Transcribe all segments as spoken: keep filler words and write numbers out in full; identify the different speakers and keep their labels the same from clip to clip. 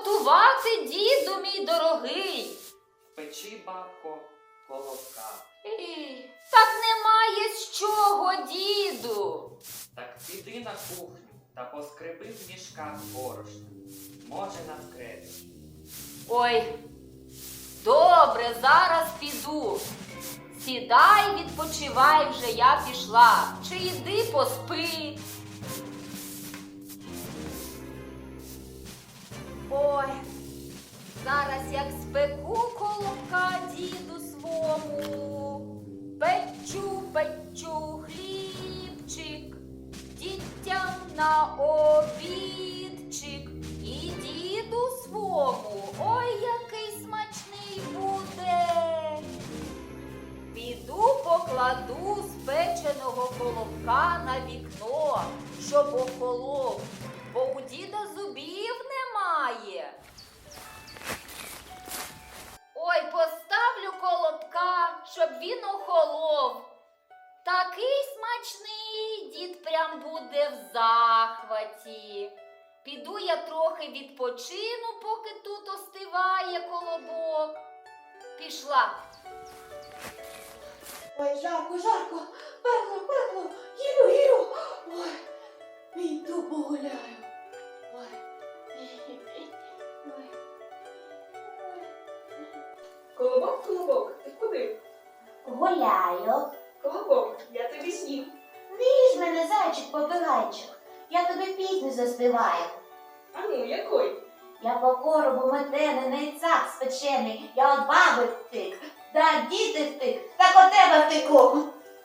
Speaker 1: готувати, діду мій дорогий?
Speaker 2: Печи, бабко, колобка.
Speaker 1: Ей, так немає з чого, діду.
Speaker 2: Так піди на кухню та поскреби в мішках борошна. Може, навкрепиш.
Speaker 1: Ой, добре, зараз піду. Сідай, відпочивай вже, я пішла. Чи йди поспи. Ой, зараз як спеку колобка діду свому. Печу, печу хлібчик, дітям на обідчик. І діду свому, ой, який смачний буде. Піду покладу спеченого колобка на вікно, щоб охолов, бо у діда зубів немає. Ой, поставлю колобка, щоб він охолов. Такий смачний, дід прям буде в захваті. Піду я трохи відпочину, поки тут остиває колобок. Пішла.
Speaker 3: Ой, жарко, жарко, пекло, пекло, їду, їду. Ой, піду погуляю. Ой. Ой.
Speaker 4: Колобок, колобок, ти куди?
Speaker 3: Гуляю.
Speaker 4: Колобок, я тобі снів.
Speaker 3: Віж мене, зайчик-попигайчик. Я тобі пісню заспіваю.
Speaker 4: А ну, який?
Speaker 3: Я по коробу метений, цап спечений. Я от баби втик, да діти втик, так от тебе втеку.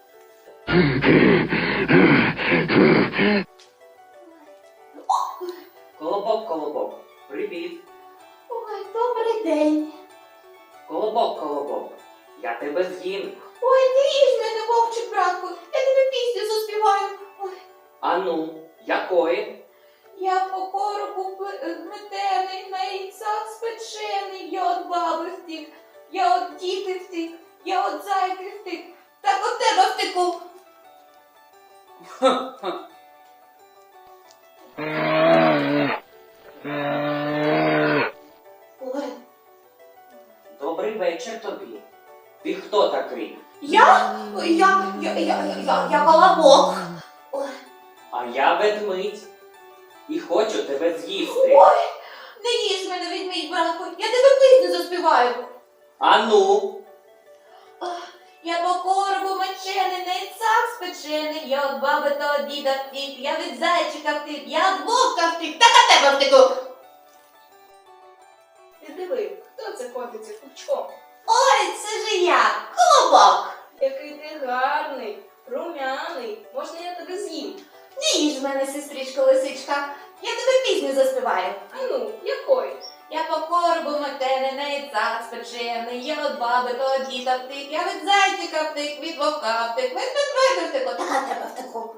Speaker 2: Колобок, колобок, привіт.
Speaker 3: Ой, добрий день.
Speaker 2: Колобок, колобок, я тебе з'їм.
Speaker 3: Ой, не їж мене, вовчик, братку, я тобі пісню заспіваю. Ой.
Speaker 2: А ну, якої?
Speaker 3: Я по коробу п- метений, на яйцях спечений, я от баби втік, я от діти втік, я от зайки втік, так от тебе втеку. Ой,
Speaker 2: Добрий вечір тобі. Ти хто такий?
Speaker 3: я, я, я, я, я, я, я колобок. Ой,
Speaker 2: А я ведмідь. І хочу тебе з'їсти.
Speaker 3: ой, не їж мене, відмій, братку, я тебе пісню заспіваю.
Speaker 2: А ну,
Speaker 3: Я по коробу мечений, на яйцях спечений, я от баби та от діда втік, я від зайчика втік, я от вовка втік, так от тебе втеку.
Speaker 4: Ти диви, хто це котиться кучком?
Speaker 3: Ой, це ж я, колобок.
Speaker 4: Який ти гарний, румяний. Можна я тебе з'їм?
Speaker 3: Не їж мене, сестричко лисичка, я тобі пісню заспіваю.
Speaker 4: А ну, який?
Speaker 3: Я по коробу метений, на яйцях спечений, я от баби та от діда втік, я від зайчика втік, від вовка втік, від медведя втеку, так от тебе втеку.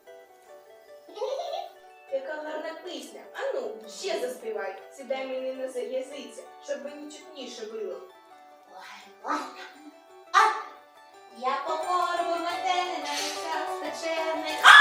Speaker 4: Яка гарна пісня. А ну, ще заспівай. Сідай мені на за- язиця, щоб мені чутніше було.
Speaker 3: Ой, ой. А! Я по коробу метений, на яйцях спечений. А!